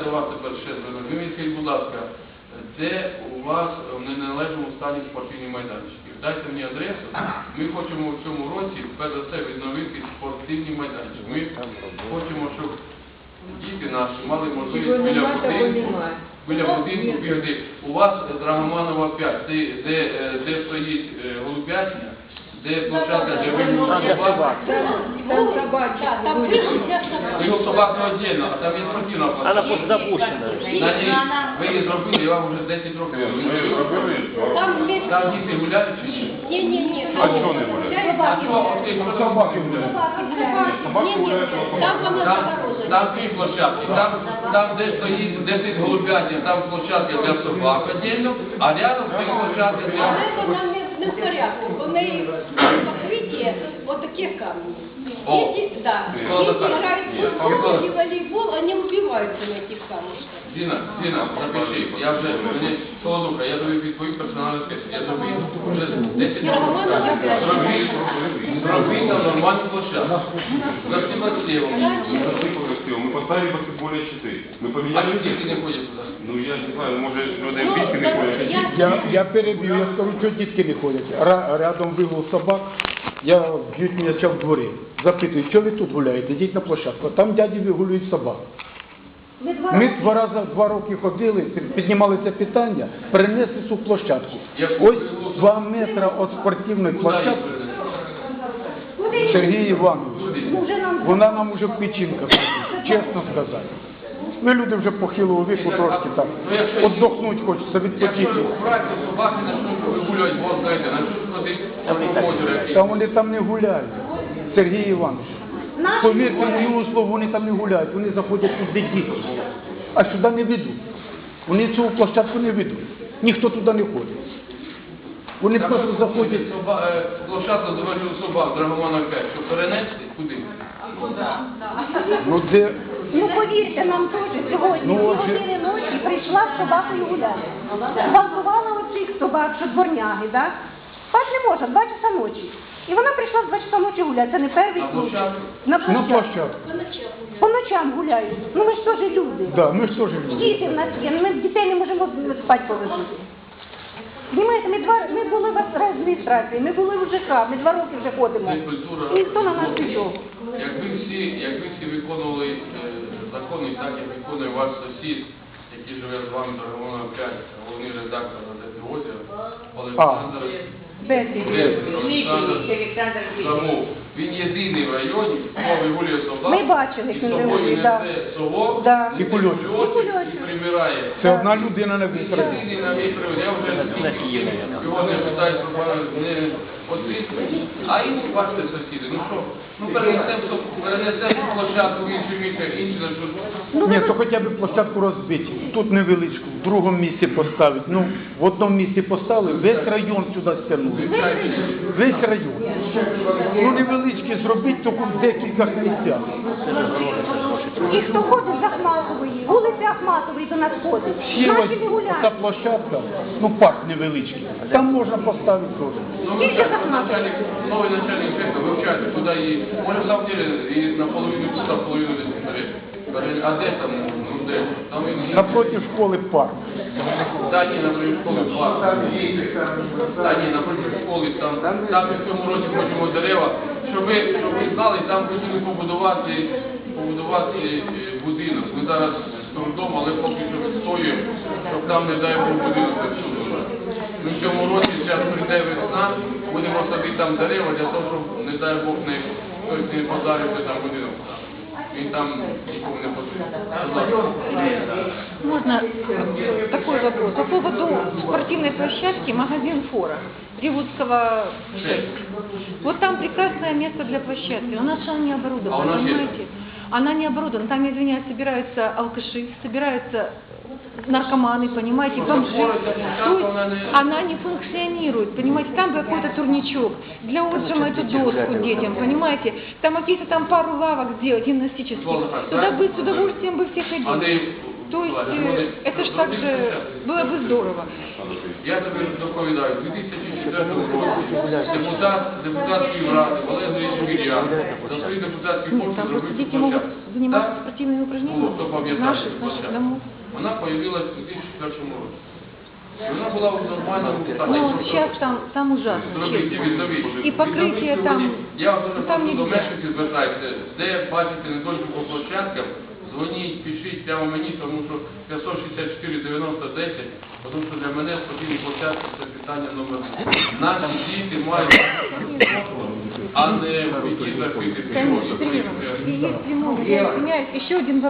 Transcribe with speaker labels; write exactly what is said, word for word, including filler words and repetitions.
Speaker 1: до вас тепер ще звернув. Ви мені скажіть, будь ласка, де у вас в неналежному стані спортивні майданчики? Дайте мені адресу. Ми хочемо в цьому році, перш за все, відновити спортивні майданчики. Ми хочемо, щоб діти наші мали можливість біля будинку, біля будинку бігати. У вас Драгоманова п'ять, де, де, де стоїть голубятня, де площадка, де вигул собак.
Speaker 2: Там собачка.
Speaker 1: Вигул собак не віддільно, а там є спортивна площадка.
Speaker 3: Вона запущена.
Speaker 1: На ній ви її зробили, я вам вже десять років.
Speaker 4: Ми зробили.
Speaker 1: Там діти гуляють чи ні?
Speaker 2: Ні, ні, ні.
Speaker 4: А чого не гуляють?
Speaker 1: А чого? От ти що собаки гуляють?
Speaker 4: Собаки гуляють.
Speaker 1: Там, там дві площадки, там, там де стоїть, де стоїть голубятня, там площадка для собак віддільно, а рядом стоїть площадка для...
Speaker 2: Але вона не, не в порядку, бо в неї покриття отакі камні.
Speaker 1: О.
Speaker 2: Діти, да.
Speaker 1: О,
Speaker 2: Діти
Speaker 1: так.
Speaker 2: грають в футбол і волейбол, вони вбиваються на тих камушках.
Speaker 1: Діна, Діна, запиши, я вже, мені, Солодуха, я тобі відповів персональну списку, я тобі вже десять років. Зробіть, зробіть там нормальну площадку. Красиво.
Speaker 4: Мы поставили баскетбольные щиты. Мы
Speaker 1: А
Speaker 4: поменяли...
Speaker 1: люди не ходять туди.
Speaker 4: Ну я не знаю, може люди в бійки не ходять.
Speaker 5: Я, я переб'ю, я скажу, що дітки не ходять. Ра- Рядом вигул собак, я б'ють м'яча в дворі. Запитую, що ви тут гуляєте? Йдіть на площадку. Там дяді вигулюють собак. Ми два рази два роки ходили, піднімали це питання, перенесли цю площадку. Ось два метри від спортивної площадки. Сергій Іванович, вона нам уже в печінках, чесно сказати. Ми люди вже похилого віку трошки так, віддохнути хочеться, відпочити.
Speaker 1: Якщо брати собаки, на що вигулюють, бо знаєте, на що ходить по озеру.
Speaker 5: Та вони там не гуляють, Сергій Іванович. Повірте моєму слову, вони там не гуляють, вони заходять тут де діти, а сюди не ведуть. Вони цю площадку не ведуть, ніхто туди не ходить. Вони просто заходять.
Speaker 1: Площадку заводили собак, Драгомана п'ять, щоб перенести, куди?
Speaker 5: Ну де...
Speaker 6: Ну повірте, нам теж сьогодні,
Speaker 5: Ну,
Speaker 6: дві
Speaker 5: отже-
Speaker 6: години ночі прийшла з собакою гуляти. Зґвалтувала оцих собак, що дворняги, так? Спати не може, два часа ночі. І вона прийшла в два часа ночі гуляти, це не перший
Speaker 1: На
Speaker 6: случай.
Speaker 1: площадку?
Speaker 6: На
Speaker 5: На
Speaker 6: площадку.
Speaker 5: площадку.
Speaker 6: По ночам гуляють. Ну ми ж теж люди.
Speaker 5: Да, ми ж теж люди.
Speaker 6: Діти в нас є, ми дітей не можемо спати положити. Знімаєте, ми, два, ми були в адміністрації, ми були в ЖК, ми два роки вже ходимо.
Speaker 1: Це культура.
Speaker 6: Ніхто на нас пішов.
Speaker 1: Якби всі, якби всі виконували е, закони, так як виконує ваш сусід, який живе з вами, Драгомана п'ять, головний редактор газети «Озеро», Олександр Олександр Самов. Він єдиний в районі, хто вигулює собак,
Speaker 6: Ми бачили,
Speaker 1: і
Speaker 6: як він
Speaker 1: собою
Speaker 6: вигулює,
Speaker 1: несе
Speaker 6: да.
Speaker 1: совок,
Speaker 6: Да.
Speaker 5: І кульочок.
Speaker 6: І кульочок.
Speaker 1: і прибирає.
Speaker 5: Це одна людина на весь район.
Speaker 1: Єдиний на мій привод, я вже його не питаю, що не освітлює. А інші, бачите, сусіди, ну що, ну перенесемо перенесемо площадку в інше місце, інше на що.
Speaker 5: Ні, то хоча б площадку розбити. Тут невеличку, в другому місці поставити. Ну, в одному місці поставили, весь район сюди стягнули. Весь район. Ну, невеличкі зробити, тільки в декілька місцях.
Speaker 6: І хто ходить з Ахматової, вулиця Ахматової до нас ходить.
Speaker 5: Ще
Speaker 6: Наші
Speaker 5: ось
Speaker 6: не
Speaker 5: ця
Speaker 6: гуляють.
Speaker 5: площадка, ну парк невеличкий, там можна поставити теж.
Speaker 1: Ну, начальник, новый начальник цеха вивчати, куди її, може, в самом деле, і наполовину тут, а половину десь смотреть. Каже, а де там, ну де? Там і...
Speaker 5: Напроти школи парк.
Speaker 1: Да, ні, напроти школи парк. Да, ні, напроти школи, там, там ми в цьому році хочемо дерева, щоб ви, щоб ви знали, там хотіли побудувати, побудувати е, будинок. Ми зараз з трудом, але поки що відстоюємо, щоб там, не дай Бог, будинок не всунув. Ми в цьому році, зараз прийде весна, будемо садити там дерева для того, щоб, не дай Бог, не, хтось не подарився там будинок. Він там нікому не потрібен.
Speaker 7: Можно такой вопрос. По поводу спортивной площадки магазин «Фора» Ревудского шесть. Вот там прекрасное место для площадки. У нас же она не оборудована,
Speaker 1: А у нас
Speaker 7: понимаете?
Speaker 1: есть?
Speaker 7: Она не оборудована. Там, я извиняюсь, собираются алкаши, собираются наркоманы, понимаете, бомжи. То есть она не функционирует, понимаете, там какой-то турничок, для отжима эту доску детям, понимаете, там какие-то там пару лавок сделать гимнастических, туда бы с удовольствием бы все ходили. То есть э, это ж так же было бы здорово.
Speaker 1: Я тобі доповідаю, у дві тисячі четвертому році депутат депутатської ради Олег Андрійович Гір'ян за свої депутатські
Speaker 7: Нет,
Speaker 1: кошти
Speaker 7: там просто
Speaker 1: зробив
Speaker 7: дети
Speaker 1: цю
Speaker 7: могут
Speaker 1: площадку.
Speaker 7: заниматься
Speaker 1: Так.
Speaker 7: спортивными упражнениями
Speaker 1: Було, хто пам'ятає
Speaker 7: наших,
Speaker 1: цю
Speaker 7: наших
Speaker 1: площадку.
Speaker 7: домов.
Speaker 1: Вона появилась у дві тисячі першому році. І вона була у нормальному стані.
Speaker 7: Ну,
Speaker 1: Просто
Speaker 7: сейчас там, там ужасно,
Speaker 1: зробіть,
Speaker 7: честно.
Speaker 1: відновіть.
Speaker 7: І покриття
Speaker 1: Відновіть
Speaker 7: там,
Speaker 1: сьогодні. Я дуже
Speaker 7: там
Speaker 1: прошу до
Speaker 7: нельзя.
Speaker 1: мешканців звертаюся, де бачите недоліку по площадкам, дзвоніть, пишіть прямо мені, тому що п'ятсот шістдесят чотири дев'яносто десять, тому що для мене спортивні площадки це питання номер один. Наші діти мають, а не в які закрити
Speaker 7: Конечно, Сережа, и если можно, я извиняюсь, еще один вопрос.